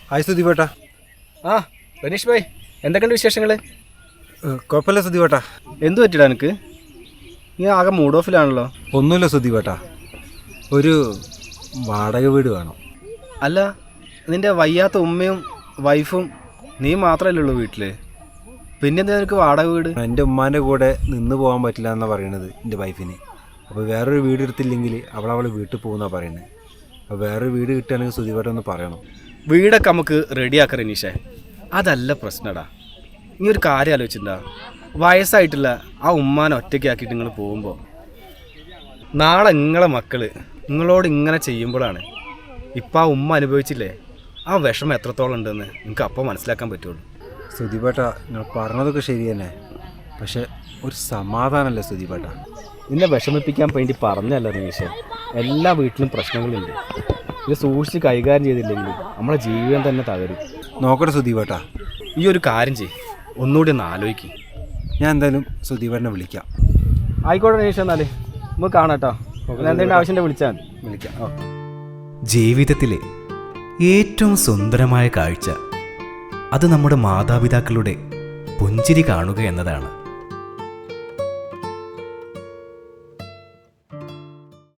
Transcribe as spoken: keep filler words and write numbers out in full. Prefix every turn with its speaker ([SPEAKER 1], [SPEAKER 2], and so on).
[SPEAKER 1] Hi സുദീപേട്ടാ.
[SPEAKER 2] ആ റനീഷ് ഭായ്, എന്തൊക്കെയുണ്ട് വിശേഷങ്ങൾ?
[SPEAKER 1] കുഴപ്പമില്ല സുദീപേട്ടാ.
[SPEAKER 2] എന്തു പറ്റിടാ എനിക്ക്? നീ ആകെ മൂഡ് ഓഫിലാണല്ലോ.
[SPEAKER 1] ഒന്നുമില്ല സുദീപേട്ടാ, ഒരു വാടക വീട് വേണം.
[SPEAKER 2] അല്ല, നിൻ്റെ വയ്യാത്ത ഉമ്മയും വൈഫും നീ മാത്രമല്ലേ ഉള്ളൂ വീട്ടിൽ, പിന്നെന്താ നിനക്ക് വാടക വീട്?
[SPEAKER 1] എൻ്റെ ഉമ്മാൻ്റെ കൂടെ നിന്ന് പോകാൻ പറ്റില്ല എന്നാണ് പറയണത് എൻ്റെ വൈഫിന്. അപ്പോൾ വേറൊരു വീട് എടുത്തില്ലെങ്കിൽ അവൾ അവൾ വീട്ടിൽ പോകുന്നതാണ് പറയുന്നത്. അപ്പോൾ വേറൊരു വീട് കിട്ടുകയാണെങ്കിൽ സുദീപേട്ട ഒന്ന് പറയണം.
[SPEAKER 2] വീടൊക്കെ നമുക്ക് റെഡിയാക്കാം റനീഷേ, അതല്ല പ്രശ്നടാ. നീ ഒരു കാര്യം ആലോചിച്ചിട്ടുണ്ടാ, വയസ്സായിട്ടുള്ള ആ ഉമ്മാനെ ഒറ്റയ്ക്കാക്കിയിട്ട് നിങ്ങൾ പോകുമ്പോൾ നാളെ നിങ്ങളെ മക്കൾ നിങ്ങളോട് ഇങ്ങനെ ചെയ്യുമ്പോഴാണ് ഇപ്പം ആ ഉമ്മ അനുഭവിച്ചില്ലേ ആ വിഷമം എത്രത്തോളം ഉണ്ടെന്ന് നിങ്ങൾക്ക് അപ്പോൾ മനസ്സിലാക്കാൻ പറ്റുള്ളൂ.
[SPEAKER 1] സുദീപേട്ട, നിങ്ങൾ പറഞ്ഞതൊക്കെ ശരി തന്നെ, പക്ഷെ ഒരു സമാധാനമല്ലേ സുദീപേട്ട?
[SPEAKER 2] നിന്നെ വിഷമിപ്പിക്കാൻ വേണ്ടി പറഞ്ഞല്ല റനീഷേ, എല്ലാ വീട്ടിലും പ്രശ്നങ്ങളുണ്ട്. ഇത് സൂക്ഷിച്ച് കൈകാര്യം ചെയ്തില്ലെങ്കിൽ നമ്മളെ ജീവിതം തന്നെ തകരും.
[SPEAKER 1] നോക്കട്ടെ സുദീപേട്ട.
[SPEAKER 2] ഈ ഒരു കാര്യം ചെയ്യ്, ഒന്നുകൂടി ഒന്ന് ആലോചിക്കും.
[SPEAKER 1] ഞാൻ എന്തായാലും സുദീപേട്ടനെ വിളിക്കാം.
[SPEAKER 2] ആയിക്കോട്ടെ റനീഷ്, എന്നാൽ നമുക്ക് കാണാം കേട്ടോ. എന്തെങ്കിലും ആവശ്യം വിളിച്ചാൽ മതി.
[SPEAKER 1] വിളിക്കാം.
[SPEAKER 2] ഓക്കെ.
[SPEAKER 3] ജീവിതത്തിലെ ഏറ്റവും സുന്ദരമായ കാഴ്ച അത് നമ്മുടെ മാതാപിതാക്കളുടെ പുഞ്ചിരി കാണുക എന്നതാണ്.